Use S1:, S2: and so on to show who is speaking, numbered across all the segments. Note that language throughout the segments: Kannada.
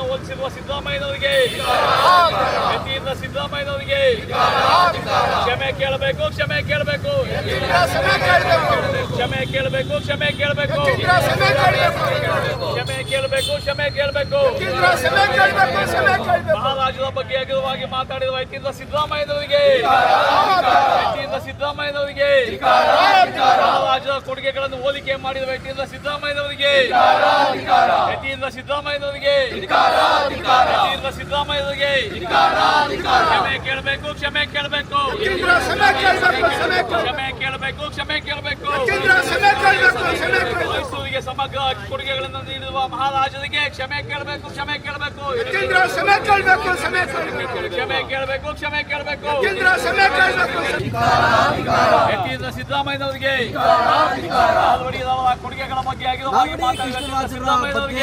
S1: ಹೋಲಿಸಿರುವ ಸಿದ್ದರಾಮಯ್ಯನವರಿಗೆ, ಯತಿಯಿಂದ ಸಿದ್ದರಾಮಯ್ಯನವರಿಗೆ ಕ್ಷಮೆ ಕೇಳಬೇಕು, ಕ್ಷಮೆ ಕೇಳಬೇಕು, ಕ್ಷಮೆ ಕೇಳಬೇಕು, ಕ್ಷಮೆ ಕೇಳಬೇಕು, ಕ್ಷಮೆ ಕೇಳಬೇಕು, ಕ್ಷಮೆ ಕೇಳಬೇಕು. ಮಹಾರಾಜರ ಬಗ್ಗೆ ಅಗಲವಾಗಿ ಮಾತಾಡಿರುವ ಯತಿಯಿಂದ ಸಿದ್ದರಾಮಯ್ಯನವರಿಗೆ, ಯತಿಯಿಂದ ಸಿದ್ದರಾಮಯ್ಯನವರಿಗೆ, ಮಹಾರಾಜರ ಕೊಡುಗೆಗಳನ್ನು ಹೋಲಿಕೆ ಮಾಡಿದ ವ್ಯಕ್ತಿಯಿಂದ ಸಿದ್ದರಾಮಯ್ಯನವರಿಗೆ, ಯತಿಯಿಂದ ಸಿದ್ದರಾಮಯ್ಯನವರಿಗೆ, ಯತಿಯಿಂದ ಸಿದ್ದರಾಮಯ್ಯನವರಿಗೆ ಕ್ಷಮೆ ಕೇಳಬೇಕು, ಕ್ಷಮೆ ಕೇಳಬೇಕು, ಕ್ಷಮೆ ಕೇಳಬೇಕು, ಕ್ಷಮೆ ಕೇಳಬೇಕು. ಮೈಸೂರಿಗೆ ಸಮಗ್ರ ಕೊಡುಗೆಗಳನ್ನು ನೀಡಿರುವ ಮಹಾರಾಜರಿಗೆ ಕ್ಷಮೆ ಕೇಳಬೇಕು, ಕ್ಷಮೆ ಕೇಳಬೇಕು, ಕ್ಷಮೆ ಕೇಳಬೇಕು, ಕ್ಷಮೆ ಕೇಳಬೇಕು. ಯತಿಯಿಂದ ಸಿದ್ದರಾಮಯ್ಯನವರಿಗೆ ಕೊಡುಗೆಗಳ ಬಗ್ಗೆ ಆಗಿರುವಾಗಿ ಮಾತಾಡಿದ ಸಿದ್ದರಾಮಯ್ಯನವರಿಗೆ,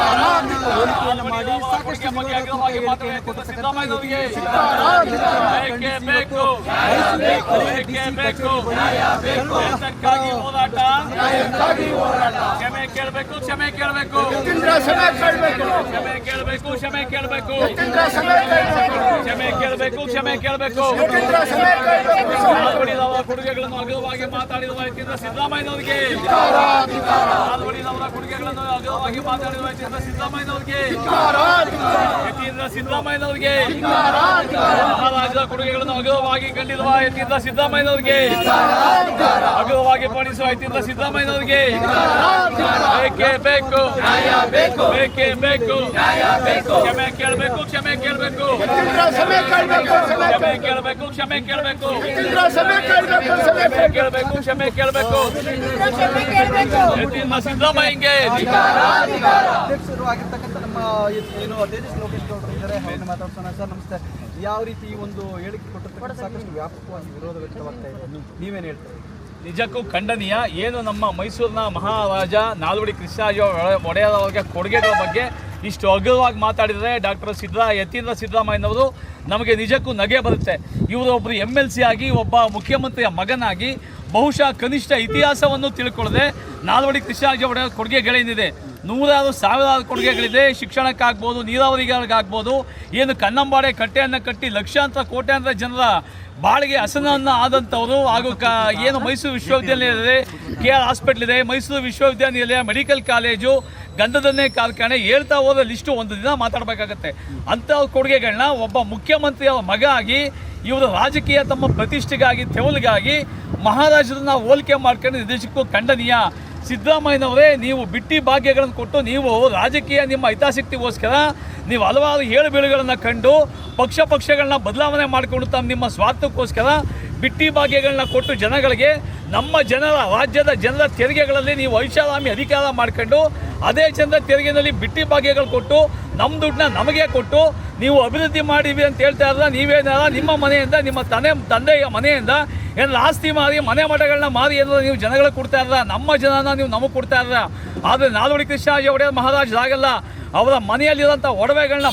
S1: ಸಿದ್ದರಾಮಯ್ಯನವರಿಗೆ ಬೇಕೇ ಬೇಕು, ಬೇಕೇ ಬೇಕು, ನ್ಯಾಯಕ್ಕಾಗಿ ಹೋರಾಟ, ಕ್ಷಮೆ ಕೇಳಬೇಕು, ಕ್ಷಮೆ ಕೇಳಬೇಕು, ಕ್ಷಮೆ ಕೇಳಬೇಕು, ಕ್ಷಮೆ ಕೇಳಬೇಕು, ಕ್ಷಮೆ ಕೇಳಬೇಕು, ಕ್ಷಮೆ ಕೇಳಬೇಕು. ಕೊಡುಗೆಗಳನ್ನು ಅಗಲವಾಗಿ ಮಾತಾಡಿರುವ ವ್ಯಕ್ತಿಯಿಂದ ಸಿದ್ದರಾಮಯ್ಯನವರಿಗೆ, ಅವರ ಕೊಡುಗೆಗಳನ್ನು ಅಗಲವಾಗಿ ಮಾತಾಡಿರುವ ವ್ಯಕ್ತಿಯಿಂದ ಸಿದ್ದರಾಮಯ್ಯನವರಿಗೆ, ಯತಿಯಿಂದ ಸಿದ್ದರಾಮಯ್ಯನವರಿಗೆ, ಮಹಾರಾಜರ ಕೊಡುಗೆಗಳನ್ನು ಅಗಲವಾಗಿ ಕಂಡಿರುವ ವ್ಯಕ್ತಿಯಿಂದ ಸಿದ್ದರಾಮಯ್ಯನವರಿಗೆ, ಅಗಲವಾಗಿ ಪಾಲಿಸುವ ವ್ಯಕ್ತಿಯಿಂದ ಸಿದ್ದರಾಮಯ್ಯನವರಿಗೆ ಬೇಕೇ ಬೇಕು, ಬೇಕೇ ಬೇಕು, ಕ್ಷಮೆ ಕೇಳಬೇಕು, ಕ್ಷಮೆ ಕೇಳಬೇಕು, ಕ್ಷಮೆ ಕೇಳಬೇಕು, ಕ್ಷಮೆ ಕೇಳಬೇಕು, ಕೇಳಬೇಕು, ಕ್ಷಮೆ ಕೇಳಬೇಕು. ಯತಿಯಿಂದ ಸಿದ್ದರಾಮಯ್ಯಗೆ
S2: ಅಧ್ಯಕ್ಷರು ಆಗಿರ್ತಕ್ಕಂಥ ನಮ್ಮ ಏನು ತೇಜಸ್ ಲೋಕೇಶ್ ಗೌಡರು ಇದ್ದಾರೆ, ಅವ್ರನ್ನ ಮಾತಾಡ್ಸೋಣ. ಸರ್ ನಮಸ್ತೆ. ಯಾವ ರೀತಿ ಈ ಒಂದು ಹೇಳಿಕೆ ಕೊಟ್ಟಿರ್ತಕ್ಕಂಥ ಸಾಕಷ್ಟು ವ್ಯಾಪಕವಾಗಿ ವಿರೋಧ ವ್ಯಕ್ತವಾಗ್ತಾ ಇದೆ, ನೀವೇನು ಹೇಳ್ತೀರಿ?
S1: ನಿಜಕ್ಕೂ ಖಂಡನೀಯ. ಏನು ನಮ್ಮ ಮೈಸೂರಿನ ಮಹಾರಾಜ ನಾಲ್ವಡಿ ಕೃಷ್ಣರಾಜ ಒಡೆಯರ್ ಅವರಿಗೆ ಕೊಡುಗೆಗಳ ಬಗ್ಗೆ ಇಷ್ಟು ಅಗಲವಾಗಿ ಮಾತಾಡಿದರೆ ಯತೀಂದ್ರ ಸಿದ್ದರಾಮಯ್ಯನವರು ನಮಗೆ ನಿಜಕ್ಕೂ ನಗೆ ಬರುತ್ತೆ. ಇವರು ಒಬ್ಬರು MLC ಆಗಿ ಒಬ್ಬ ಮುಖ್ಯಮಂತ್ರಿಯ ಮಗನಾಗಿ ಬಹುಶಃ ಕನಿಷ್ಠ ಇತಿಹಾಸವನ್ನು ತಿಳ್ಕೊಳ್ಳದೆ ನಾಲ್ವಡಿ ಕೃಷ್ಣರಾಜ ಒಡೆಯರ್ ಕೊಡುಗೆಗಳೇನಿದೆ, ನೂರಾರು ಸಾವಿರಾರು ಕೊಡುಗೆಗಳಿದೆ. ಶಿಕ್ಷಣಕ್ಕಾಗ್ಬೋದು, ನೀರಾವರಿಗಾಗ್ಬೋದು, ಏನು ಕನ್ನಂಬಾಡೆ ಕಟ್ಟೆಯನ್ನು ಕಟ್ಟಿ ಲಕ್ಷಾಂತರ ಕೋಟ್ಯಾಂತರ ಜನರ ಬಾಳಿಗೆ ಹಸನನ್ನು ಆದಂಥವರು, ಹಾಗೂ ಏನು ಮೈಸೂರು ವಿಶ್ವವಿದ್ಯಾನಿಲಯ ಇದೆ, KR ಹಾಸ್ಪಿಟ್ಲ್ ಇದೆ, ಮೈಸೂರು ವಿಶ್ವವಿದ್ಯಾನಿಲಯ, ಮೆಡಿಕಲ್ ಕಾಲೇಜು, ಗಂಧದನ್ನೇ ಕಾರ್ಖಾನೆ, ಹೇಳ್ತಾ ಹೋದ ಲಿಸ್ಟು ಒಂದು ದಿನ ಮಾತಾಡಬೇಕಾಗತ್ತೆ. ಅಂಥ ಕೊಡುಗೆಗಳನ್ನ ಒಬ್ಬ ಮುಖ್ಯಮಂತ್ರಿಯವರ ಮಗ ಆಗಿ ಇವರು ರಾಜಕೀಯ ತಮ್ಮ ಪ್ರತಿಷ್ಠೆಗಾಗಿ ತೆವಲಿಗಾಗಿ ಮಹಾರಾಜರನ್ನ ಹೋಲಿಕೆ ಮಾಡ್ಕೊಂಡು ನಿಜಕ್ಕೂ ಖಂಡನೀಯ. ಸಿದ್ದರಾಮಯ್ಯನವರೇ, ನೀವು ಬಿಟ್ಟಿ ಭಾಗ್ಯಗಳನ್ನು ಕೊಟ್ಟು ನೀವು ರಾಜಕೀಯ ನಿಮ್ಮ ಹಿತಾಸಕ್ತಿಗೋಸ್ಕರ ನೀವು ಹಲವಾರು ಏಳುಬೀಳುಗಳನ್ನು ಕಂಡು ಪಕ್ಷಗಳನ್ನ ಬದಲಾವಣೆ ಮಾಡಿಕೊಂಡು ತಮ್ಮ ನಿಮ್ಮ ಸ್ವಾರ್ಥಕ್ಕೋಸ್ಕರ ಬಿಟ್ಟಿ ಭಾಗ್ಯಗಳನ್ನ ಕೊಟ್ಟು ಜನಗಳಿಗೆ, ನಮ್ಮ ರಾಜ್ಯದ ಜನರ ತೆರಿಗೆಗಳಲ್ಲಿ ನೀವು ಐಷಾರಾಮಿ ಅಧಿಕಾರ ಮಾಡ್ಕೊಂಡು ಅದೇ ಜನರ ತೆರಿಗೆಯಲ್ಲಿ ಬಿಟ್ಟಿ ಭಾಗ್ಯಗಳು ಕೊಟ್ಟು ನಮ್ಮ ದುಡ್ಡನ್ನ ನಮಗೆ ಕೊಟ್ಟು ನೀವು ಅಭಿವೃದ್ಧಿ ಮಾಡಿವಿ ಅಂತ ಹೇಳ್ತಾ ಇದ್ರೆ, ನೀವೇನಾರ ನಿಮ್ಮ ಮನೆಯಿಂದ, ನಿಮ್ಮ ತಂದೆಯ ಮನೆಯಿಂದ ಏನಾರ ಆಸ್ತಿ ಮಾರಿ, ಮನೆ ಮಠಗಳನ್ನ ಮಾರಿ ಏನಾರ ನೀವು ಜನಗಳಿಗೆ ಕೊಡ್ತಾ ಇದ್ರ, ನಮ್ಮ ಜನನ ನೀವು ನಮಗೆ ಕೊಡ್ತಾ ಇದ್ರ. ಆದರೆ ನಾಲ್ವಡಿ ಕೃಷ್ಣರಾಜ ಒಡೆಯರ್ ಮಹಾರಾಜರಾಗಲ್ಲ. ಅವರ ಮನೆಯಲ್ಲಿರೋಂಥ ಒಡವೆಗಳನ್ನ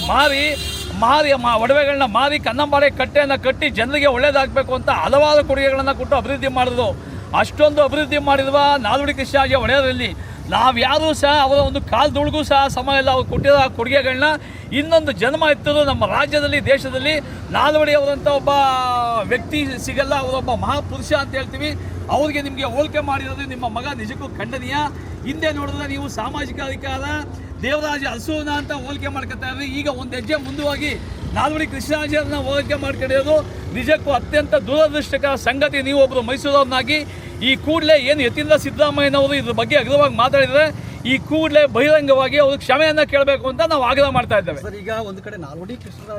S1: ಮಾರಿ ಕನ್ನಂಬಾಡೆ ಕಟ್ಟೆಯನ್ನು ಕಟ್ಟಿ ಜನರಿಗೆ ಒಳ್ಳೇದಾಗಬೇಕು ಅಂತ ಹಲವಾರು ಕೊಡುಗೆಗಳನ್ನು ಕೊಟ್ಟು ಅಭಿವೃದ್ಧಿ ಮಾಡಿದ್ರು. ಅಷ್ಟೊಂದು ಅಭಿವೃದ್ಧಿ ಮಾಡಿರುವ ನಾಲ್ವಡಿ ಕೃಷ್ಣರಾಜ ಒಡೆಯರಲ್ಲಿ ನಾವ್ಯಾರೂ ಸಹ ಅವರ ಒಂದು ಕಾಲದೊಳಗೂ ಸಹ ಸಮ ಇಲ್ಲ. ಅವ್ರು ಕೊಟ್ಟಿರೋ ಕೊಡುಗೆಗಳನ್ನ ಇನ್ನೊಂದು ಜನ್ಮ ಎತ್ತದು ನಮ್ಮ ರಾಜ್ಯದಲ್ಲಿ, ದೇಶದಲ್ಲಿ ನಾಲ್ವಡಿ ಅವರಂಥ ಒಬ್ಬ ವ್ಯಕ್ತಿ ಸಿಗಲ್ಲ. ಅವರೊಬ್ಬ ಮಹಾಪುರುಷ ಅಂತ ಹೇಳ್ತೀವಿ. ಅವ್ರಿಗೆ ನಿಮಗೆ ಹೋಲಿಕೆ ಮಾಡಿರೋದು ನಿಮ್ಮ ಮಗ ನಿಜಕ್ಕೂ ಖಂಡನೀಯ. ಹಿಂದೆ ನೋಡಿದ್ರೆ ನೀವು ಸಾಮಾಜಿಕ ಅಧಿಕಾರ ದೇವರಾಜ ಅರಸೂನ ಅಂತ ಹೋಲಿಕೆ ಮಾಡ್ಕೊತಾ ಇದ್ರಿ. ಈಗ ಒಂದು ಹೆಜ್ಜೆ ಮುಂದುವಾಗಿ ನಾಲ್ವಡಿ ಕೃಷ್ಣರಾಜರನ್ನ ಹೋಲಿಕೆ ಮಾಡ್ಕೊಂಡಿರೋದು ನಿಜಕ್ಕೂ ಅತ್ಯಂತ ದುರದೃಷ್ಟಕರ ಸಂಗತಿ. ನೀವು ಒಬ್ಬರು ಮೈಸೂರವ್ರನ್ನಾಗಿ ಈ ಕೂಡಲೇ ಏನು ಯತೀಂದ್ರ ಸಿದ್ದರಾಮಯ್ಯನವರು ಇದ್ರ ಬಗ್ಗೆ ಅಗ್ರವಾಗಿ ಮಾತಾಡಿದರೆ, ಈ ಕೂಡಲೇ ಬಹಿರಂಗವಾಗಿ ಅವರು ಕ್ಷಮೆಯನ್ನು ಕೇಳಬೇಕು ಅಂತ ನಾವು ಆಗ್ರಹ ಮಾಡ್ತಾ ಇದ್ದೇವೆ.
S2: ಸರ್, ಈಗ ಒಂದು ಕಡೆ ನಾಲ್ವಡಿ ಕೃಷ್ಣರಾಜ